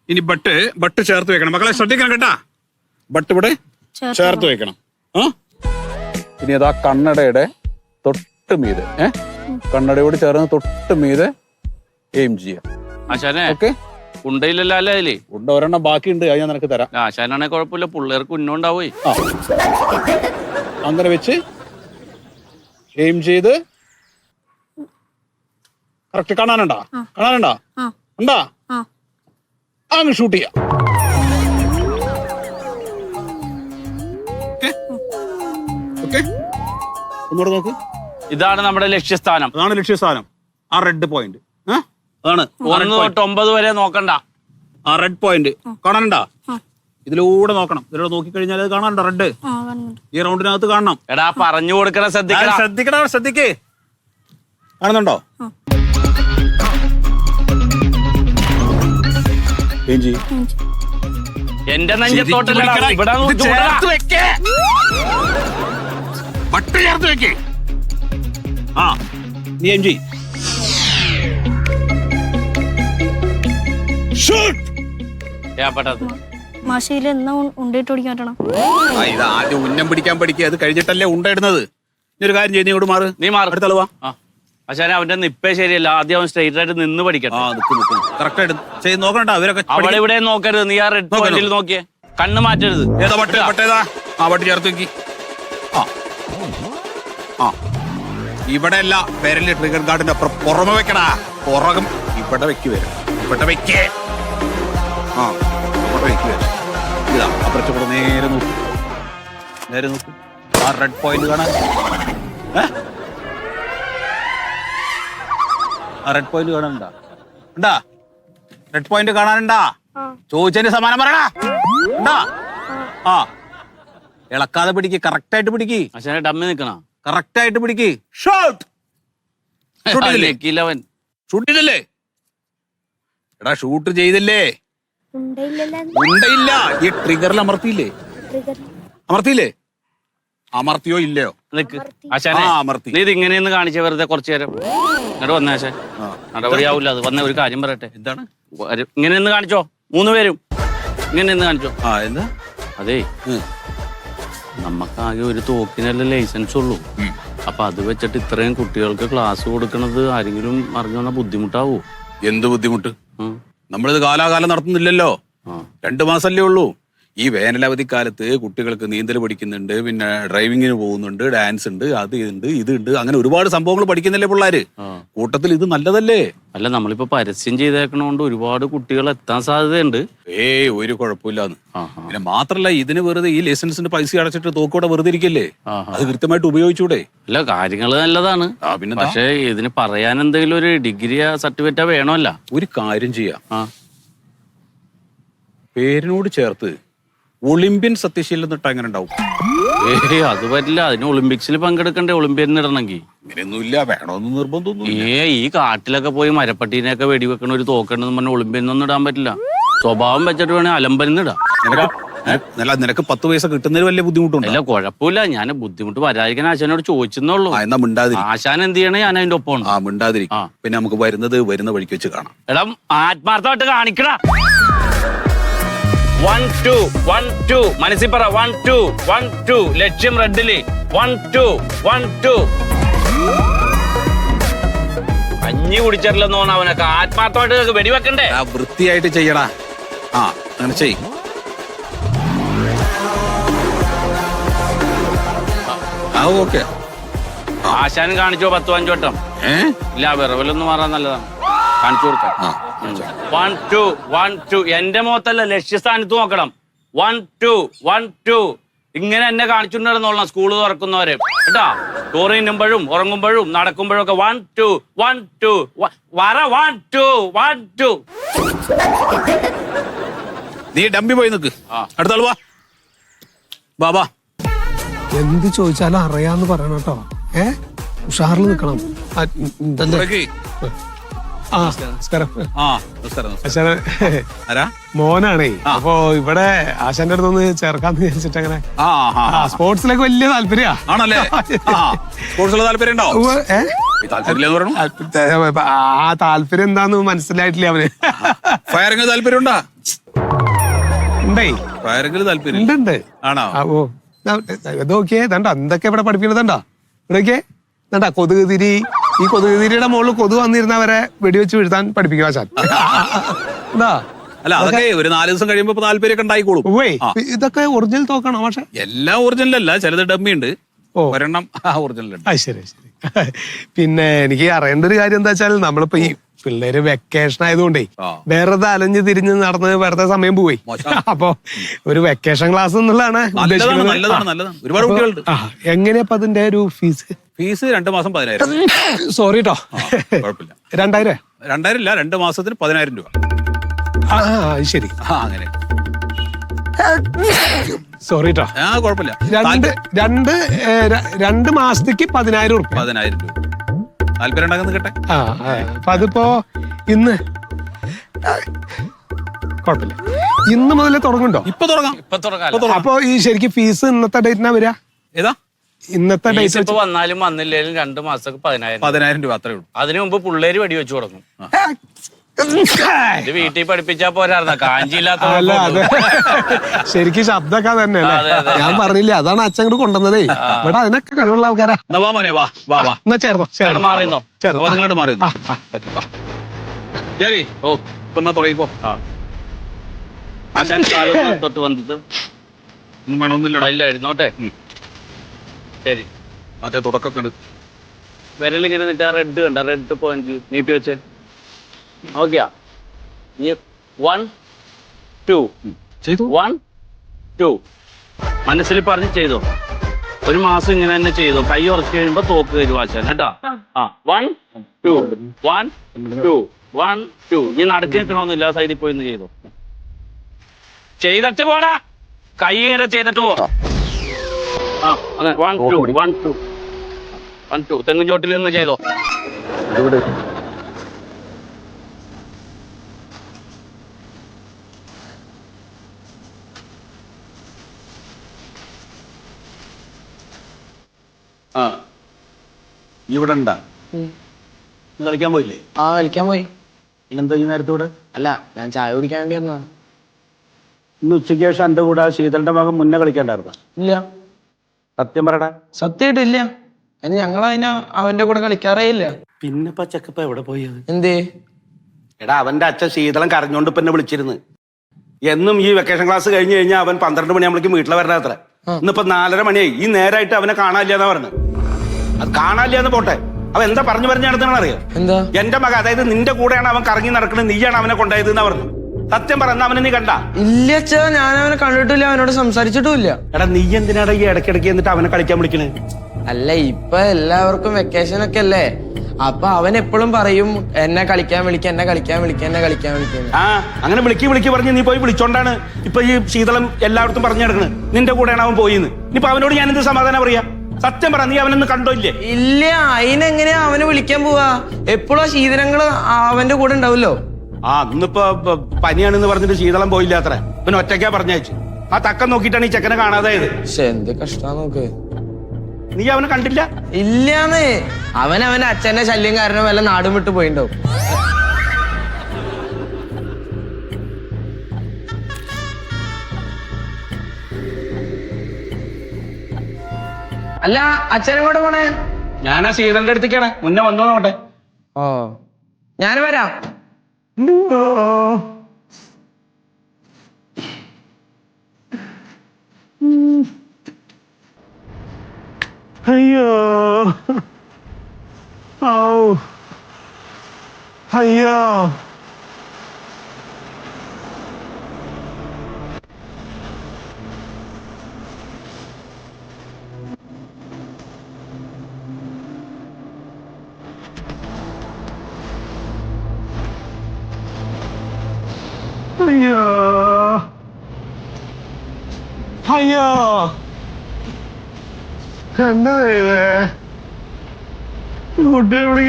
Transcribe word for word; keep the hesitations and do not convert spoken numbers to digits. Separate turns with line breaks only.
ഇനി but but ചേർത്ത് വെക്കണം. മക്കളെ ശ്രദ്ധിക്കണം കേട്ടാ. ബട്ട് ഇവിടെ ചേർത്ത് വെക്കണം. ആ ഇനി അതാ കണ്ണടയുടെ തൊട്ട് മീതെ ഏഹ് കണ്ണടയോട് ചേർന്ന് തൊട്ട് മീതെ എയിം ചെയ്യാം. ഓക്കെ.
ഉണ്ടയില്ലല്ലോ അല്ലേ?
ഉണ്ട് ഒരെണ്ണം ബാക്കിയുണ്ട്, അത് ഞാൻ നിനക്ക് തരാം.
ആശാനാണെ കുഴപ്പമില്ല, പിള്ളേർക്ക് ഉന്നുണ്ടാവേ.
ആ അങ്ങനെ വെച്ച് എയിം ചെയ്ത് കറക്റ്റ് കാണാനുണ്ടാ കാണാനുണ്ടാ ഉണ്ടാ അങ്ങ് ഷൂട്ട് ചെയ്യാം. ഒന്നുകൂടെ നോക്ക്.
ഇതാണ് നമ്മുടെ ലക്ഷ്യസ്ഥാനം.
അതാണ് ലക്ഷ്യസ്ഥാനം. ആ റെഡ് പോയിന്റ് അതാണ്.
ഒന്ന് തൊട്ട് ഒമ്പത് വരെ നോക്കണ്ട.
ആ റെഡ് പോയിന്റ് കാണാനുണ്ടാ? ഇതിലൂടെ നോക്കണം. ഇതിലൂടെ നോക്കിക്കഴിഞ്ഞാൽ അത് കാണാനുണ്ടോ? റെഡ് ഈ റൗണ്ടിനകത്ത് കാണണം.
എടാ പറഞ്ഞു കൊടുക്കണ ശ്രദ്ധിക്കണം.
ശ്രദ്ധിക്കണ ശ്രദ്ധിക്കേ. കാണുന്നുണ്ടോ?
എന്റെ നെഞ്ചത്തോട്ടില്ല.
പട്ട് ചേർത്ത് വെക്കേ. ആ നീ എം ജി
മാഷയില് എന്നാ ഉണ്ടയിട്ട് ഓടിക്കാൻ പറ്റണം?
ഇത് ആദ്യം ഉന്നം പിടിക്കാൻ പഠിക്കുക, അത് കഴിഞ്ഞിട്ടല്ലേ ഉണ്ടയിടുന്നത്. ഇനി ഒരു കാര്യം ചെയ്ത് ഇങ്ങോട്ട് മാറ്.
നീ മാറി
അടുത്തളവാ.
പക്ഷേ അവന്റെ നിപ്പേ ശരിയല്ല. ആദ്യം അവൻ സ്ട്രൈറ്റ് ആയിട്ട് നിന്ന് പഠിക്കണം.
കറക്റ്റ് ആയിട്ട് ചെയ്ത് നോക്കണ്ട. അവരൊക്കെ
അവിടെ ഇവിടെ നോക്കരുത്. നീ ആ റെഡ് പോയിന്റിൽ നോക്കിയേ. കണ്ണ് മാറ്റരുത്.
ഏതാ പട്ട്? പട്ടേതാ? ആ പട്ട് ചേർത്ത് വെക്കി. ആ ആ ഇവിടെ അല്ല, വിരല് ട്രിഗർ ഗാർഡിന്റെ അപ്പുറം പുറമെ വെക്കടാ. പുറകം ഇവിടെ വെക്ക് വരും. ഇവിടെ വെക്കേ. ആ ഇവിടെ വെക്ക് വരും. ഇതാ അപ്പുറത്തെ കൂടെ നേരെ നോക്കും. നേരെ നോക്കും. ആ റെഡ് പോയിന്റ് കാണാൻ. ആ റെഡ് പോയിന്റ് കാണാനുണ്ടാ? ഉണ്ടാ? റെഡ് പോയിന്റ് കാണാനുണ്ടാ? ചോദിച്ചതിന് സമാനം പറയടാ. ഉണ്ടാ? ആ ഇളക്കാതെ പിടിക്ക്. കറക്റ്റ് ആയിട്ട് പിടിക്ക്.
പക്ഷേ ഡമ്മി നിക്കണ.
കറക്റ്റ് ആയിട്ട് പിടിക്ക്. ഷോട്ട്. ഷൂട്ട് ചെയ്തില്ലേ? എടാ ഷൂട്ട് ചെയ്തില്ലേ? ഉണ്ടയില്ല. ഈ ട്രിഗറിൽ അമർത്തിയില്ലേ? അമർത്തിയില്ലേ? അമർത്തിയോ ഇല്ലയോ?
അമർത്തി. നീ ഇത് ഇങ്ങനെയൊന്ന് കാണിച്ച വെറുതെ കുറച്ചു നേരം എന്നിട്ട് വന്നേ. ആശാൻ നടപടിയാവൂല. അത് വന്ന ഒരു കാര്യം പറയട്ടെ.
എന്താണ്?
ഇങ്ങനെയൊന്ന് കാണിച്ചോ. മൂന്ന് പേരും ഇങ്ങനെയൊന്ന് കാണിച്ചോ.
ആ എന്താ?
അതേ നമുക്കാകെ ഒരു തോക്കിനല്ല ലൈസൻസ് ഉള്ളൂ. അപ്പൊ അത് വെച്ചിട്ട് ഇത്രയും കുട്ടികൾക്ക് ക്ലാസ് കൊടുക്കണത് ആരെങ്കിലും അറിഞ്ഞു വന്ന ബുദ്ധിമുട്ടാവോ?
എന്ത് ബുദ്ധിമുട്ട്? നമ്മളിത് കാലാകാലം നടത്തുന്നില്ലല്ലോ. രണ്ടു മാസല്ലേ ഉള്ളൂ. ഈ വേനലവധിക്കാലത്ത് കുട്ടികൾക്ക് നീന്തൽ പഠിക്കുന്നുണ്ട്, പിന്നെ ഡ്രൈവിങ്ങിന് പോകുന്നുണ്ട്, ഡാൻസ് ഉണ്ട്, അത് ഉണ്ട്, ഇത് ഉണ്ട്, അങ്ങനെ ഒരുപാട് സംഭവങ്ങൾ പഠിക്കുന്നില്ലേ പിള്ളേര്. കൂട്ടത്തിൽ ഇത് നല്ലതല്ലേ?
അല്ല നമ്മളിപ്പോ പരസ്യം ചെയ്തേക്കണോണ്ട് ഒരുപാട് കുട്ടികൾ എത്താൻ സാധ്യതയുണ്ട്.
ഏയ് ഒരു കുഴപ്പമില്ലാന്ന്. പിന്നെ മാത്രല്ല ഇതിന് വെറുതെ ഈ ലൈസൻസിന്റെ പൈസ അടച്ചിട്ട് തോക്കോടെ വെറുതെ ഇരിക്കല്ലേ. അത് കൃത്യമായിട്ട് ഉപയോഗിച്ചൂടെ?
അല്ല കാര്യങ്ങൾ നല്ലതാണ്. പിന്നെ പക്ഷേ ഇതിന് പറയാൻ എന്തെങ്കിലും ഒരു ഡിഗ്രി സർട്ടിഫിക്കറ്റ് വേണമല്ല.
ഒരു കാര്യം ചെയ്യാം. പേരിനോട് ചേർത്ത് ഒളിമ്പ്യൻ സത്യശീലം തൊട്ട് അങ്ങനെ ഉണ്ടാവും.
ഏ അത് പറ്റില്ല. അതിന് ഒളിമ്പിക്സിൽ പങ്കെടുക്കണ്ടേ ഒളിമ്പ്യൻ ഇടണമെങ്കിൽ?
അങ്ങനെയൊന്നുമില്ല. വേണമെന്ന് നിർബന്ധമൊന്നും.
ഏ ഈ കാട്ടിലൊക്കെ പോയി മരപ്പട്ടീനെയൊക്കെ വെടിവെക്കണ ഒരു തോക്കണ്ടെന്ന് പറഞ്ഞ ഒളിമ്പ്യനൊന്നും ഇടാൻ പറ്റില്ല. സ്വഭാവം വെച്ചിട്ട് വേണേ അലമ്പലിന്ന് ഇടാം.
നിനക്ക് പത്ത് പൈസ കിട്ടുന്നതിന് വലിയ ബുദ്ധിമുട്ടുണ്ട്.
അല്ല കുഴപ്പമില്ല. ഞാൻ ബുദ്ധിമുട്ട് വരാതിരിക്കാൻ ആശാനോട് ചോദിച്ചെന്നുള്ളൂ.
എന്നാ മിണ്ടാതിരി.
ആശാൻ എന്ത് ചെയ്യണേ ഞാൻ അതിന്റെ ഒപ്പം.
ആ മിണ്ടാതിരി. പിന്നെ നമുക്ക് വരുന്നത് വരുന്ന വഴിക്ക് വെച്ച് കാണാം.
എടാ ആത്മാർത്ഥമായിട്ട് കാണിക്കടാ. വൺ ടു വൺ ടു മനസ്സിൽ പറ. വൺ ടു വൺ ടു ലക്ഷ്യം റെഡില്. വൺ ടു വൺ ടു കഞ്ഞി കുടിച്ചിട്ടില്ലെന്ന് തോന്നുന്നു അവനൊക്കെ. ആത്മാർത്ഥമായിട്ട് വെടിവെക്കണ്ടേ?
വൃത്തിയായിട്ട് ചെയ്യടാ. ആ അങ്ങനെ ചെയ്. ഓക്കെ.
ആശാനും കാണിച്ചോ പത്തോ അഞ്ചോ വട്ടം? ഇല്ല വിറവലൊന്നും മാറാൻ നല്ലതാണ്. കാണിച്ചു കൊടുക്കാം. വൺ ടു വൺ ടു എന്റെ മുഖത്തല്ല ലക്ഷ്യസ്ഥാനത്ത് നോക്കണം. വൺ ടു വൺ ടു ഇങ്ങനെ എന്നെ കാണിച്ചുകൊണ്ടിരുന്നോളണം സ്കൂള് തുറക്കുന്നവരെ കേട്ടാ. ചോറ് തിന്നുമ്പോഴും ഉറങ്ങുമ്പോഴും നടക്കുമ്പോഴും ഒക്കെ വൺ ടു വൺ ടു വര. One two one two.
നീ ഡമ്പി പോയി നിക്ക്. അടുത്ത വാ. ബാബാ
എന്ത് ചോദിച്ചാലും അറിയാന്ന് പറയണം കേട്ടോ. ഏ ഉഷാറിൽ നിക്കണം. ആ നമസ്കാരം.
ആ നമസ്കാരം നമസ്കാരം.
ആശാനെ
ആരാ?
മോനാണേ. അപ്പൊ ഇവിടെ ആശാന്റെ അടുത്തൊന്ന് ചേർക്കാന്ന് വിചാരിച്ചിട്ട് അങ്ങനെ
ആ ആ, ആ.
സ്പോർട്സിലൊക്കെ വലിയ താല്പര്യ.
ആണല്ലേ? ആ സ്പോർട്സിൽ താല്പര്യം ഉണ്ടോ? താല്പര്യം പറയണു.
ആ താല്പര്യം എന്താന്ന് മനസ്സിലായിട്ടില്ല അവന്.
ഫയറിംഗ് താല്പര്യം ഉണ്ടാ?
ഉണ്ടേ,
ഫയറിംഗിൽ താല്പര്യം
ഉണ്ട് ഉണ്ട്.
ആണോ?
ആ, ഓ ഇത് നോക്കിയേ, തണ്ട എന്തൊക്കെ ഇവിടെ പഠിപ്പിക്കണതണ്ടാ. ഇവിടേക്ക് തണ്ട കൊതുക് തിരി. ഈ കൊതുക് തിരിയുടെ മുകളിൽ കൊതു വന്നിരുന്നവരെ വെടിവെച്ച് വീഴ്ത്താൻ പഠിപ്പിക്കും ആശാൻ. എന്താ
അല്ല അതൊക്കെ ഒരു നാല് ദിവസം കഴിയുമ്പോ താല്പര്യമൊക്കെ ഉണ്ടായിക്കോളും.
ഓയ് ഇതൊക്കെ ഒറിജിനൽ തോക്കാണോ പക്ഷെ?
എല്ലാം ഒറിജിനൽ അല്ല, ചിലത് ഡമ്മി ഉണ്ട്.
ഓ
ഒരെണ്ണം ഒറിജിനൽ ഉണ്ട്.
ആ ശരി ശരി. പിന്നെ എനിക്ക് അറിയേണ്ട ഒരു കാര്യം എന്താ വെച്ചാൽ നമ്മളിപ്പോ ഈ പിള്ളേര് വെക്കേഷൻ ആയതുകൊണ്ടേ
ആ.
വെറുതെ അലഞ്ഞ് തിരിഞ്ഞ് നടന്ന് വെറുതെ സമയം പോയി.
മോശം.
അപ്പൊ ഒരു വെക്കേഷൻ ക്ലാസ് എന്നുള്ളതാണ്
നല്ലതാണ്
ഉദ്ദേശിക്കുന്നത്.
നല്ലതാണ് നല്ലതാണ്. ഒരുപാട് കുട്ടികളുണ്ട്.
ആ എങ്ങനെയപ്പ അതിന്റെ ഒരു ഫീസ്?
ഫീസ് രണ്ടു മാസം പതിനായിരം.
സോറി കേട്ടോ.
കുഴപ്പമില്ല.
രണ്ടായിരം
രണ്ടായിരം ഇല്ല, രണ്ട് മാസത്തിന് പതിനായിരം രൂപ.
ആ അത് ശരി.
ആ അങ്ങനെ.
സോറി കേട്ടോ.
ആ കുഴപ്പമില്ല.
രണ്ട് രണ്ട് ഏ, ര- രണ്ട് മാസത്തേക്ക് പതിനായിരം ഉറുപ്പ.
പതിനായിരം രൂപ താല്പര്യം ഉണ്ടാകുന്ന കേട്ടെ.
ആ ആ, അപ്പൊ അതിപ്പോ ഇന്ന് കുഴപ്പമില്ല, ഇന്ന് മുതലേ തുടങ്ങുണ്ടോ?
ഇപ്പൊ തുടങ്ങാം.
ഇപ്പൊ തുടങ്ങാം.
ഇപ്പൊ തുടങ്ങാം.
അപ്പൊ ഈ ശരിക്കും ഫീസ് ഇന്നത്തെ ഡേറ്റിനാ വരിക?
ഏതാ?
ഇന്നത്തെ
ഫീസ്
ഡേറ്റ്
ഇപ്പൊ വന്നാലും വന്നില്ലേലും രണ്ടു മാസത്തേക്ക് പതിനായിരം.
പതിനായിരം രൂപ അത്രേ ഉള്ളൂ.
അതിനു മുമ്പ് പിള്ളേര് വെടിവെച്ച് തുടങ്ങും. ഇത് വീട്ടിൽ പഠിപ്പിച്ചാ പോരായിരുന്ന കാഞ്ചിയില്ലാത്ത
അല്ല അതെ, ശരിക്കും ശബ്ദമൊക്കെ തന്നെ
അതെ,
അല്ലേ?
അതെ.
ഞാൻ പറഞ്ഞില്ലേ, അതാണ് അച്ഛൻ കൂടെ കൊണ്ടുവന്നതേ. ഇവിടെ അതിനൊക്കെ കഴിവുള്ള ആൾക്കാരാ.
എന്നാ വാ മോനെ, വാ വാ വാ.
എന്നാ ചേർന്നോ ചേർന്നോ
മാറിയെന്നോ?
ചേർന്നോ.
അപ്പൊ നിങ്ങളോട് മാറി
ആ, ആ.
ശരി. ഓ ഇപ്പൊ എന്നാ തുടങ്ങിക്കോ.
ആശാൻ കാലം തൊട്ട് വന്നത്
ഒന്നും വേണമെന്നില്ലടാ.
ഇല്ല ഇരുന്നോട്ടെ. ശരി.
മറ്റേ തുടക്കൊക്കെ ഉണ്ട്.
വിരലിങ്ങനെ നിന്നിട്ട് ആ റെഡ് കണ്ട റെഡ് പോയിന്റ് നീട്ടി വെച്ച് ഓക്കെയാ. വൺ ടു
ചെയ്തു.
വൺ ടു മനസ്സിൽ പറഞ്ഞ് ചെയ്തോ. ഒരു മാസം ഇങ്ങനെ തന്നെ ചെയ്തോ. കൈ ഉറച്ചു കഴിയുമ്പോ തോക്ക് തരും ആശാൻ കേട്ടാ. ആ one two one two one two. നീ നടത്തി നിൽക്കണമെന്നില്ല, സൈഡിൽ പോയി ചെയ്തോ. ചെയ്തിട്ട് പോടാ. കൈ ഇങ്ങനെ ചെയ്തിട്ട് പോ. ആ അതെ. One two one two one two. തെങ്ങും ചോട്ടിൽ നിന്ന് ചെയ്തോ.
ആ ഇവിടെ ഉണ്ടാ? കളിക്കാൻ പോയില്ലേ?
ആ കളിക്കാൻ പോയി.
ഇന്നെന്താ ഈ നേരത്തൂടെ?
അല്ല ഞാൻ ചായ കുടിക്കാൻ വേണ്ടി വന്നതാ.
ഇന്ന് ഉച്ചയ്ക്ക് ശേഷം എന്റെ കൂടെ ശീതളിന്റെ മകൻ മുന്നേ കളിക്കണ്ടായിരുന്നു.
ഇല്ല,
സത്യം പറയടാ.
സത്യമായിട്ടും ഇല്ല. അതിന് ഞങ്ങൾ അതിന് അവന്റെ കൂടെ കളിക്കാറേ ഇല്ല.
പിന്നെ ഇപ്പൊ ചെക്കപ്പ എവിടെ പോയത്?
എന്തേ?
എടാ അവന്റെ അച്ഛൻ ശീതളം കരഞ്ഞോണ്ട് ഇപ്പൊ എന്നെ വിളിച്ചിരുന്നു. എന്നും ഈ വെക്കേഷൻ ക്ലാസ് കഴിഞ്ഞ് കഴിഞ്ഞാൽ അവൻ പന്ത്രണ്ട് മണിയാകുമ്പോഴേക്കും വീട്ടിലെ വരണ അത്ര. ഇന്നിപ്പോ നാലര മണിയായി. ഈ നേരായിട്ട് അവനെ കാണാനില്ല എന്നാ പറഞ്ഞു. അത് കാണാനില്ല എന്ന് പോട്ടെ, അവൻ എന്താ പറഞ്ഞു പറഞ്ഞു നടത്തണെന്ന് അറിയാം?
എന്താ?
എന്റെ മകൻ, അതായത് നിന്റെ കൂടെയാണ് അവൻ കറങ്ങി നടക്കുന്നത്, നീയാണ് അവനെ കൊണ്ടായത് എന്നാ പറഞ്ഞു. സത്യം പറഞ്ഞ അവനെ നീ കണ്ട?
ഇല്ല അച്ഛാ, ഞാൻ അവനെ കണ്ടിട്ടില്ല, അവനോട് സംസാരിച്ചിട്ടുമില്ല.
എടാ നീ എന്തിനാടാ ഈ ഇടയ്ക്കിടയ്ക്ക് എന്നിട്ട് അവനെ കളിക്കാൻ വിളിക്കണേ?
അല്ല ഇപ്പൊ എല്ലാവർക്കും വെക്കേഷൻ ഒക്കെ അല്ലേ, അപ്പൊ അവൻ എപ്പോഴും പറയും എന്നെ കളിക്കാൻ വിളിക്കാൻ, എന്നെ കളിക്കാൻ വിളിക്കാൻ, എന്നെ കളിക്കാൻ വിളിക്കാൻ.
ആ അങ്ങനെ വിളിക്കി വിളിക്കി പറഞ്ഞ് നീ പോയി വിളിച്ചോണ്ടാണ് ഇപ്പൊ ഈ ശീതളം എല്ലായിടത്തും പറഞ്ഞു നടക്കണ് നിന്റെ കൂടെയാണ് അവൻ പോയിന്ന്. ഇനിയിപ്പൊ അവനോട് ഞാൻ എന്ത് സമാധാനം പറയാ? സത്യം പറ, നീ അവനൊന്ന് കണ്ടോ ഇല്ലേ?
ഇല്ല, അതിനെങ്ങനെയാ അവനെ വിളിക്കാൻ പോവാ? എപ്പോഴും ആ ശീതനങ്ങള് അവന്റെ കൂടെ ഉണ്ടാവല്ലോ.
ആ ഇന്നിപ്പോ പ- പനിയാണെന്ന് പറഞ്ഞിട്ട് ശീതളം പോയില്ല അത്ര. പിന്നെ ഒറ്റയ്ക്കാ പറഞ്ഞയച്ചു. ആ തക്കം നോക്കിയിട്ടാണ് ഈ ചെക്കനെ കാണാതായത്.
പക്ഷെ എന്ത് കഷ്ടാ നോക്ക്.
നീ അവനെ കണ്ടില്ല?
ഇല്ലാന്ന്, അവൻ അവന്റെ അച്ഛന്റെ ശല്യം കാരണം വല്ല നാടും വിട്ട് പോയിണ്ടാവും. അല്ല അച്ഛനും കൂടെ പോണേ?
ഞാനാ ശീതളിന്റെ അടുത്തേക്കാണ്, മുന്നേ വന്നോ നോട്ടെ.
ഓ ഞാൻ വരാം.
അയ്യോ ഔ അയ്യോ അയ്യോ അയ്യോ എന്താ കുട്ടി